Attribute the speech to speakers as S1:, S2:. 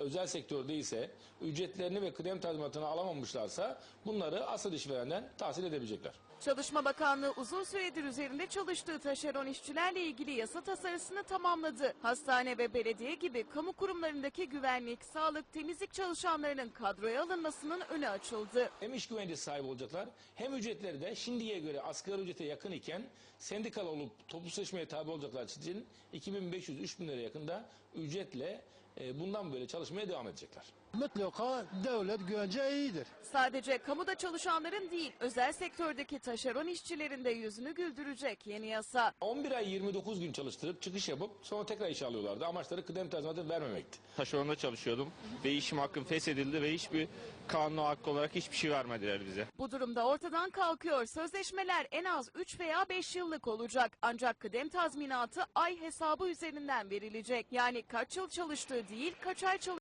S1: özel sektörde ise ücretlerini ve kıdem tazminatını alamamışlarsa bunları asıl işverenden tahsil edebilecekler.
S2: Çalışma Bakanlığı uzun süredir üzerinde çalıştığı taşeron işçilerle ilgili yasa tasarısını tamamladı. Hastane ve belediye gibi kamu kurumlarındaki güvenlik, sağlık, temizlik çalışanlarının kadroya alınmasının önü açıldı.
S1: Hem iş güvencesi sahibi olacaklar hem ücretleri de şimdiye göre asgari ücrete yakın iken sendikal olup toplu sözleşmeye tabi olacaklar için 2500-3000 lira yakında ücretle bundan böyle çalışmaya devam edecekler.
S3: Mutlaka devlet güvence iyidir.
S2: Sadece kamuda çalışanların değil, özel sektördeki taşeron işçilerin de yüzünü güldürecek yeni yasa.
S1: 11 ay 29 gün çalıştırıp çıkış yapıp sonra tekrar işe alıyorlardı. Amaçları kıdem tazminatı vermemekti.
S4: Taşeronda çalışıyordum ve işim hakkım feshedildi ve hiçbir kanun hakkı olarak hiçbir şey vermediler bize.
S2: Bu durumda ortadan kalkıyor. Sözleşmeler en az 3 veya 5 yıllık olacak. Ancak kıdem tazminatı ay hesabı üzerinden verilecek. Yani kaç yıl çalıştığı değil, kaç ay çalıştığı